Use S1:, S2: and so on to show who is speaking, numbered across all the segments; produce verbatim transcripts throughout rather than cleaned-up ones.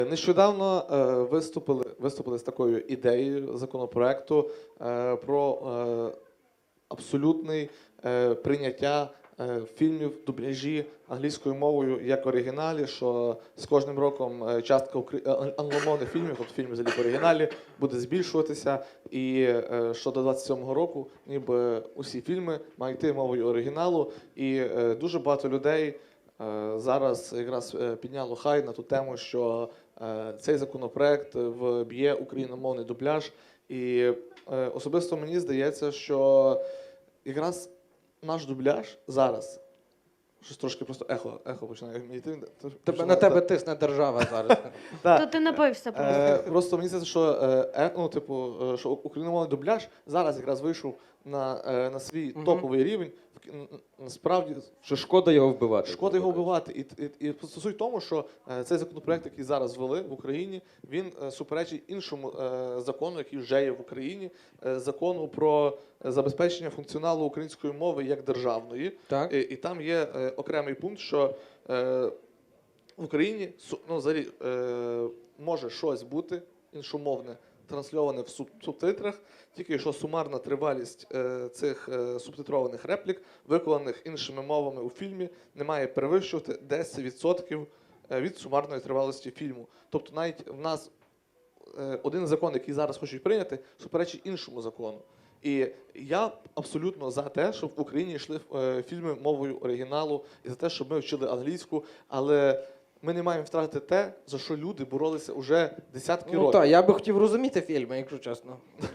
S1: Нещодавно е, виступили, виступили з такою ідеєю законопроекту е, про е, абсолютне е, прийняття е, фільмів в дубляжі англійською мовою як в оригіналі, що з кожним роком е, частка укр- е, англомовних фільмів, тобто фільмів взагалі в оригіналі, буде збільшуватися, і е, що до двадцять сьомого року ніби усі фільми мають йти мовою оригіналу, і е, дуже багато людей е, зараз якраз е, підняло хай на ту тему, що е, цей законопроект вб'є україномовний дубляж. І е, особисто мені здається, що якраз наш дубляж зараз, щось трошки просто ехо, ехо починає йти.
S2: Тебе, на тебе тисне держава зараз.
S3: То ти напився просто.
S1: Е, просто мені здається, що е, ну, типу, е, що україномовний дубляж зараз якраз вийшов на, е, на свій
S2: Мгм.
S1: топовий рівень. Насправді,
S4: Що шкода його вбивати.
S1: шкода його вбивати. І, і, і суть в тому, що е, цей законопроект, який зараз ввели в Україні, він е, суперечить іншому е, закону, який вже є в Україні, е, закону про забезпечення функціоналу української мови як державної.
S2: Так.
S1: І, і там є е, окремий пункт, що е, в Україні су- ну, взагалі, е, може щось бути іншомовне, трансльоване в суб- субтитрах, тільки що сумарна тривалість е, цих е, субтитрованих реплік, виконаних іншими мовами у фільмі, не має перевищувати десять відсотків е, від сумарної тривалості фільму. Тобто навіть в нас е, один закон, який зараз хочуть прийняти, суперечить іншому закону. І я абсолютно за те, щоб в Україні йшли е, фільми мовою оригіналу, і за те, щоб ми вчили англійську, але ми не маємо втратити те, за що люди боролися уже десятки
S2: Ну
S1: років.
S2: так, я би хотів розуміти фільми, якщо чесно.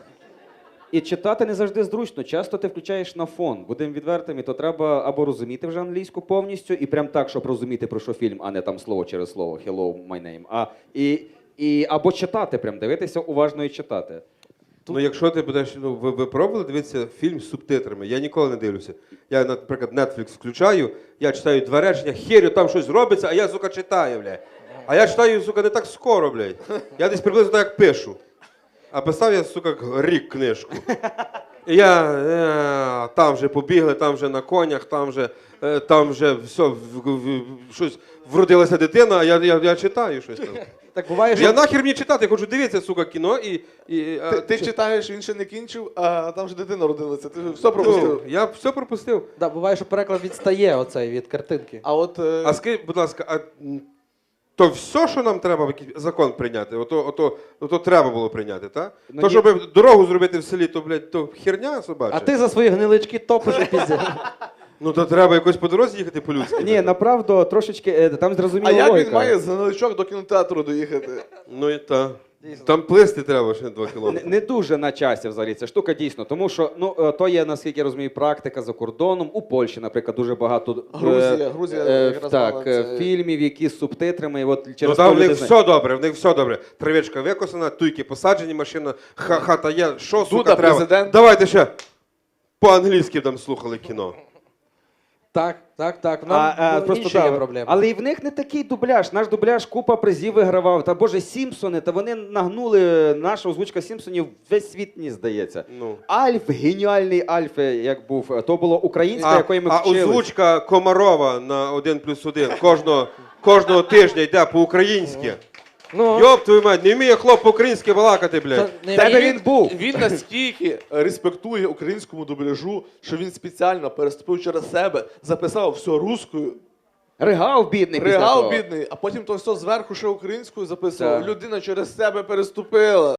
S4: І читати не завжди зручно. Часто ти включаєш на фон. Будемо відвертими, то треба або розуміти вже англійську повністю, і прям так, щоб розуміти, про що фільм, а не там слово через слово «Hello, my name». А, і, і, або читати, прям дивитися уважно і читати.
S5: Ну, якщо ти будеш, ну, ви, ви пробували дивитися фільм з субтитрами? Я ніколи не дивлюся. Я, наприклад, Netflix включаю, я читаю два речення, херю, там щось робиться, а я, сука, читаю, блядь. А я читаю, сука, не так скоро, блядь. Я десь приблизно так, як пишу. А писав я, сука, рік книжку. І я, е, там вже побігли, там вже на конях, там вже, е, там вже все, в, в, в, щось, вродилася дитина, а я, я, я читаю щось там.
S2: Так буває,
S5: Я
S2: що...
S5: нахер мені читати, я хочу дивитися, сука, кіно і... і а,
S1: Ти, ти
S5: чи-
S1: читаєш, він ще не кінчив, а там вже дитина родилася. Ти все пропустив.
S5: Ну, я все пропустив.
S2: Да, буває, що переклад відстає оцей від картинки.
S1: А от е,
S5: А скажіть, будь ласка, а м, то все, що нам треба, якийсь закон прийняти, ото, ото, ото треба було прийняти, так?
S4: Ну,
S5: то,
S4: ні.
S5: щоб дорогу зробити в селі, то, блядь, то херня собача.
S2: А ти за свої гнилички топиш і піздиш.
S5: Ну, то треба якось по дорозі їхати по-людськи.
S4: Ні, направду, трошечки, е, там зрозуміла
S1: а як
S4: логіка.
S1: він має з гниличок до кінотеатру доїхати?
S5: Ну і та. Там плисти треба ще два
S4: Не,
S5: кілометри.
S4: не дуже на часі взагалі ця штука дійсно, тому що ну е, то є, наскільки я розумію, практика за кордоном. У Польщі, наприклад, дуже багато е,
S1: Грузія, Грузія
S4: е,
S1: якраз мала
S4: так, е,
S1: це-
S4: фільмів, які з субтитрами. І от
S5: Ну
S4: через
S5: там
S4: то
S5: в них
S4: люди знають.
S5: все добре, в них все добре. Травичка викосана, туйки посаджені, машина, ха- хата є. Що, сука,
S1: Дуда,
S5: треба?
S1: президент.
S5: Давайте ще по-англійськи там слухали кіно.
S2: Так, так, так. Нам
S4: А, а,
S2: ну,
S4: просто
S2: інші
S4: да,
S2: є проблеми.
S4: Але і в них не такий дубляж. Наш дубляж купа призів вигравав. Та боже, Сімпсони, та вони нагнули наша озвучка Сімпсонів весь світ, мені здається.
S5: Ну.
S4: Альф, геніальний Альф, як був, то було українська,
S5: А,
S4: якої ми
S5: а
S4: вчили.
S5: озвучка Комарова на один плюс один кожного, кожного тижня йде по-українськи.
S2: Ну,
S5: Йоп, твою мать, не вміє хлоп по-українськи балакати,
S2: це
S5: блядь.
S2: не
S4: Тебе
S2: мій-
S4: він був.
S1: Він настільки респектує українському дубляжу, що він спеціально переступив через себе, записав все рускою,
S4: Ригав бідний після
S1: ригав
S4: того.
S1: бідний, а потім то все зверху ще українською записував.
S4: Так.
S1: Людина через себе переступила.